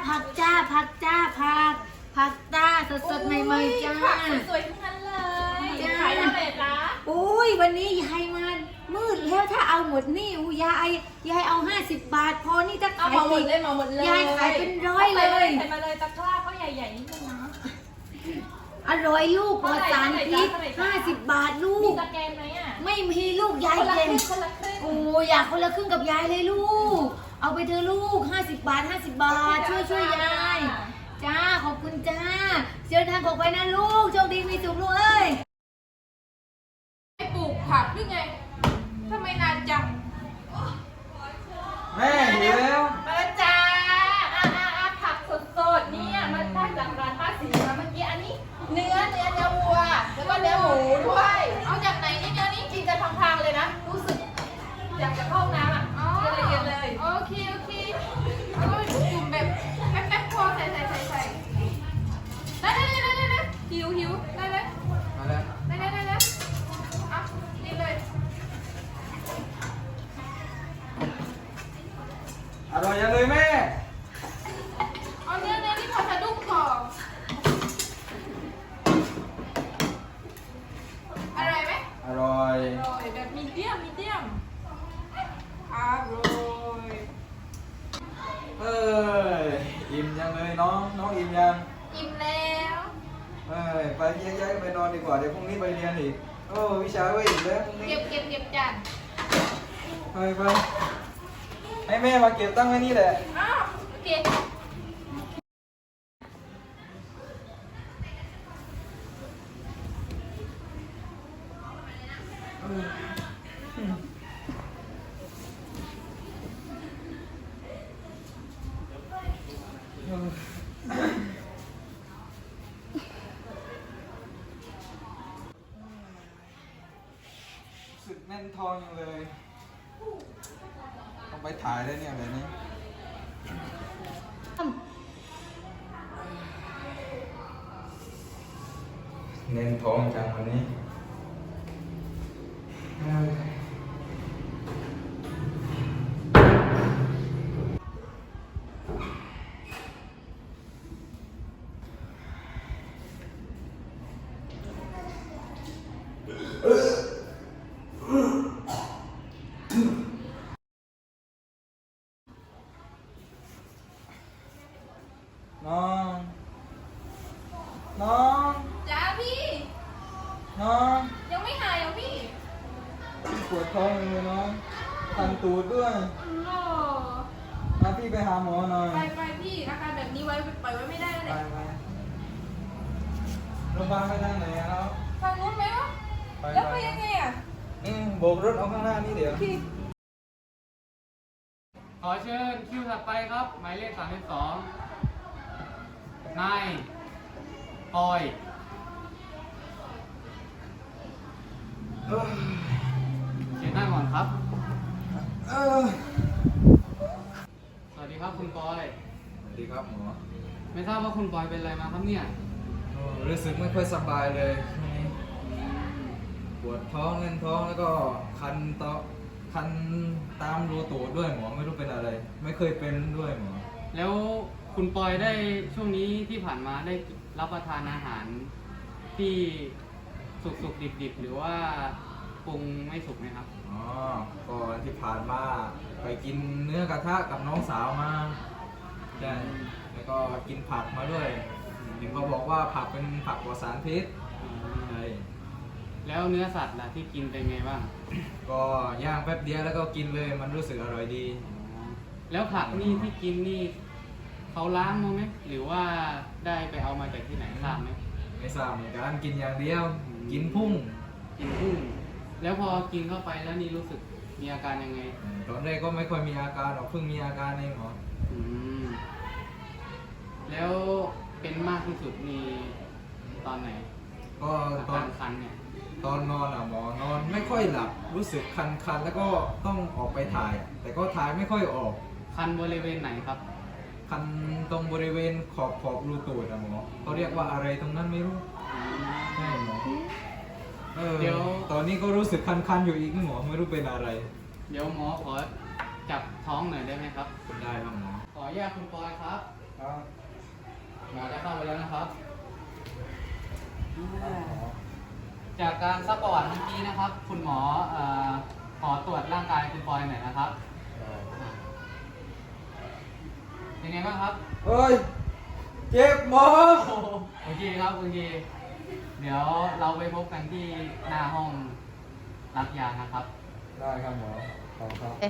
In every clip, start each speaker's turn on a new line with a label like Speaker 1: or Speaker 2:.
Speaker 1: ผักจ้าผักจ้าผักจ้าสดๆใหม่ๆจ้า
Speaker 2: ผักสวยๆทั้งนั้นเลยขายเท่าไหร่จ๊ะ
Speaker 1: อุ้ยวันนี้ยายมามืดแล้วถ้าเอาหมดนี่ยายเอา50 บาทพอนี่ถ้า
Speaker 2: เอา
Speaker 1: ขาย
Speaker 2: มาหมดเลยมาหมดเลย
Speaker 1: ยายขายเป็นร้อยเลย
Speaker 2: ใส่มาเลยตะกร้าก็ใหญ่ๆนิดนึงนะ
Speaker 1: อร่อยลูกปลอดสารพิษ50 บาทลู
Speaker 2: มี
Speaker 1: ก
Speaker 2: สแกนไหมอ่ะ
Speaker 1: ไม่มีลูกยาย
Speaker 2: คนละค
Speaker 1: เก่ง
Speaker 2: รึ่งคนละครึ่ง
Speaker 1: โอ้อยากคนละครึ่งกับยายเลยลูก เอาไปเถอะลูก50 บาท50 บาทช่วยยายจ้าขอบคุณจ้าเดินทางออกไปนะลูกโชคดีมีสุขลูกเอ้ย
Speaker 2: ไม่ปลูกผักหรือไงทำไมนานจัง
Speaker 3: แม่หิวแล้ว
Speaker 2: มาแล้วจ้าผักสดๆเนี่ยมันได้จากร้านป้าศรีมาเมื่อกี้อันนี้เนื้อวัวแล้วก็เนื้อหมูด้วยเอาจากไหนเนี่ยเนื้อนี้กินกันพังๆเลยนะรู้สึกอยากจะเข้าห้องน้ำอ่ะเย็นเลยโอเคเอาจุ่มแบบแป๊บๆพอใส่ได้หิวได้เลย
Speaker 3: มาแล้ว
Speaker 2: ได้อ่ะนี่เลย
Speaker 3: อร่อยยังเลยแม่
Speaker 2: เอาเนื้อนี่พอสะดุ้งก่อนอร่อยไหม
Speaker 3: อร่อย
Speaker 2: อร่อยแบบมีเดียมอร่อย
Speaker 3: เอ้ยอิ่มยังเลยน้องอิ่มยัง
Speaker 2: อิ่มแล้ว
Speaker 3: เอ้ยไปแยกย้ายกันไปนอนดีกว่าเดี๋ยวพรุ่งนี้ไปเรียนอีกโอ้วิชาก็อีกแล้วพรุ่งนี้
Speaker 2: เก็บจาน
Speaker 3: ไปให้แม่มาเก็บตั้งไว้นี่แหละ
Speaker 2: อ้าวโอเค
Speaker 3: รู้สึกแน่นท้องยังเลยต้องไปถ่ายได้เนี่ยแบบนี้แน่นท้องจังวันนี้เอ้ยน้อง
Speaker 2: จ้าพี่
Speaker 3: น้อง
Speaker 2: ยังไม่หายเหรอพี่
Speaker 3: พี่ปวดท้องเลยน้องคันตูดด้วย
Speaker 2: โอ้
Speaker 3: พาพี่ไปหาหมอหน่อย
Speaker 2: ไปพี่อาการแบบนี้ปล่อยไว้ไม่ได้แล้ว
Speaker 3: ไป
Speaker 2: เนี่ย
Speaker 3: โรงพยาบาลไปทางไหนอะครับ
Speaker 2: ทางนู้นไหมวะแล้วไปยังไงอ่ะ
Speaker 3: โบกรถเอาข้างหน้านี่เดี๋ยว
Speaker 2: พี่
Speaker 4: ขอเชิญคิวถัดไปครับ หมายเลข32นายปอย
Speaker 3: เออ
Speaker 4: เชิญนั่งก่อนครับ
Speaker 3: เออ
Speaker 4: สวัสดีครับคุณปอย
Speaker 3: สวัสดีครับหมอ
Speaker 4: ไม่ทราบว่าคุณปอยเป็นอะไรมาครับเนี่ย
Speaker 3: โอ้รู้สึกไม่ค่อยสบายเลยช่วงนี้ปวดท้องแน่นท้องแล้วก็คันตามรูตูดด้วยหมอไม่รู้เป็นอะไร ไม่เคยเป็นด้วยหมอ
Speaker 4: แล้วคุณปอยได้ช่วงนี้ที่ผ่านมาได้รับประทานอาหารที่สุกๆดิบๆหรือว่าปรุงไม่สุกไหมครับ
Speaker 3: อ๋อก่อนที่ผ่านมาไปกินเนื้อกระทะกับน้องสาวมาใช่แล้วก็กินผักมาด้วยเห็นเขาบอกว่าผักเป็นผักปลอดสารพิษใช่
Speaker 4: แล้วเนื้อสัตว์ล่ะที่กินเป็นไงบ้าง
Speaker 3: ก็ย่างแป๊บเดียวแล้วก็กินเลยมันรู้สึกอร่อยดี
Speaker 4: แล้วผักนี่ที่กินนี่เขาล้างมาไหมหรือว่าได้ไปเอามาจากที่ไหนทราบไหม
Speaker 3: ไม่ทราบเหมือนกันกินอย่างเดียว กินพุ่ง
Speaker 4: กินกุ้งแล้วพอกินเข้าไปแล้วนี่รู้สึกมีอาการยังไง
Speaker 3: ตอนแรกก็ไม่ค่อยมีอาการหรอกเพิ่งมีอาการเองหรอ
Speaker 4: อืมแล้วเป็นมากที่สุดมีตอนไหน
Speaker 3: ก็
Speaker 4: อา
Speaker 3: ตอก
Speaker 4: าน รคันเนี่ย
Speaker 3: ตอนนอนอ่ะหมอนอนไม่ค่อยหลับรู้สึกคันๆแล้วก็ต้องออกไปถ่าย แต่ก็ถ่ายไม่ค่อยออก
Speaker 4: คันบริเวณไหนครับ
Speaker 3: คันตรงบริเวณขอบรูตูดอะหมอเขาเรียกว่าอะไรตรงนั้นไม่รู้
Speaker 4: อืม
Speaker 3: ใช่หมอ
Speaker 4: เดี๋ยว
Speaker 3: ตอนนี้ก็รู้สึกคันๆอยู่อีกนะหมอไม่รู้เป็นอะไร
Speaker 4: เดี๋ยวหมอขอจับท้องหน่อยได้ไหมครับ
Speaker 3: ได้ครับหมอ
Speaker 4: ขออนุญาตคุณปอยครับ
Speaker 3: ครับ
Speaker 4: หมอจะเข้าไปแล้วนะครับ จากการซักประวัติเมื่อกี้นะครับ คุณหมอขอตรวจร่างกายคุณปอยหน่อยนะครับเป็นไงบ้างครับ
Speaker 3: เฮ้ย เจ็บหมอ
Speaker 4: โอเคครับโอเคเดี๋ยวเราไปพบกันที่หน้าห้องรับยานะครับ
Speaker 3: ได้ครับหมอขอบครับ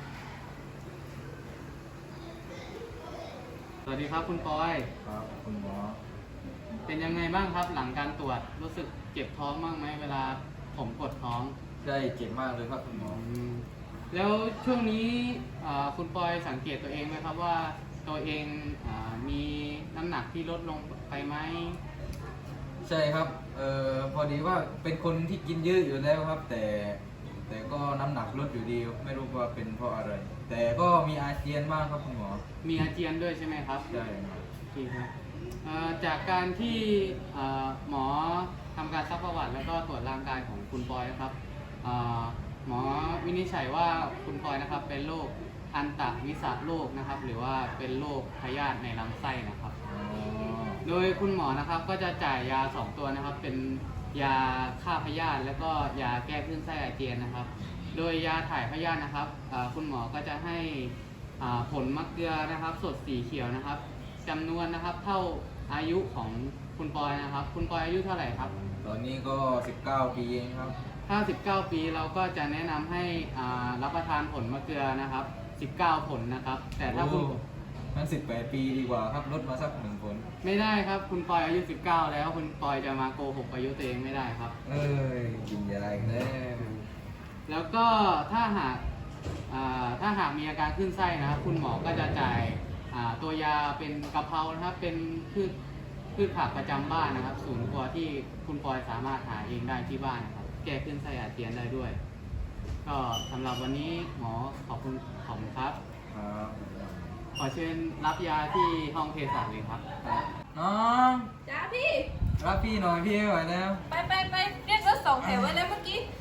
Speaker 4: สวัสดีครับคุณปอย
Speaker 3: ครับคุณหมอ
Speaker 4: เป็นยังไงบ้างครับหลังการตรวจรู้สึกเจ็บท้องบ้างไหมเวลาผมกดท้อง
Speaker 3: ใช่เจ็บมากเลยครับคุณหมอ
Speaker 4: แล้วช่วงนี้คุณปอยสังเกตตัวเองไหมครับว่าตัวเองมีน้ำหนักที่ลดลงไปไหม
Speaker 3: ใช่ครับพอดีว่าเป็นคนที่กินเยอะอยู่แล้วครับ แต่ก็น้ำหนักลดอยู่ดีไม่รู้ว่าเป็นเพราะอะไร แต่ก็มีอาเจียนมากครับคุณหมอ
Speaker 4: มีอาเจียนด้วยใช่ไหมครับ
Speaker 3: ใช่ครับ
Speaker 4: โอเคครับจากการที่หมอทำการซักประวัติแล้วก็ตรวจร่างกายของคุณปอยนะครับหมอวินิจฉัยว่าคุณปอยนะครับเป็นโรคอันตวิสาโรคนะครับ หรือว่าเป็นโรคพยาธิในลำไส้นะครับ
Speaker 3: อ๋อ
Speaker 4: โดยคุณหมอนะครับก็จะจ่ายยา 2 ตัวนะครับ เป็นยาฆ่าพยาธิแล้วก็ยาแก้คลื่นไส้อาเจียนนะครับ โดยยาถ่ายพยาธินะครับคุณหมอก็จะให้ผลมะเกลือนะครับสดสีเขียวนะครับจำนวนนะครับเท่าอายุของคุณปอยนะครับ คุณปอยอายุเท่าไหร่ครับ
Speaker 3: ตอนนี้ก็19 ปีเองครับ
Speaker 4: ถ้า 19 ปีเราก็จะแนะนำให้รับประทานผลมะเกลือนะครับ 19 ผลนะครับ แต่ถ้าคุณ
Speaker 3: งั้น18 ปีดีกว่าครับลดมาสัก1 ผล
Speaker 4: ไม่ได้ครับคุณปอยอายุ 19 แล้วคุณปอยจะมาโกหกอายุตัวเองไม่ได้ครับ
Speaker 3: เอ้ยกินยาอีกแล้ว
Speaker 4: แล้วก็ถ้าหากมีอาการขึ้นไส้นะครับ คุณหมอก็จะจ่ายตัวยาเป็นกะเพรานะครับ เป็นพืชผักประจำบ้านนะครับศูนย์ครัวที่คุณปอยสามารถหาเองได้ที่บ้านนะครับ แก้ขึ้นไส้อาเจียนได้ด้วย ก็สำหรับวันนี้หมอขอบคุณครับ
Speaker 3: ครับ
Speaker 4: ขอเชิญรับยาที่ห้องเภสัชเลยครับ
Speaker 3: น้อง
Speaker 2: จ้าพี่
Speaker 3: รับพี่หน่อยพี่ไม่ไหวแล้ว
Speaker 2: ไปเรียกรถ2 แถวไว้แล้วเมื่อกี้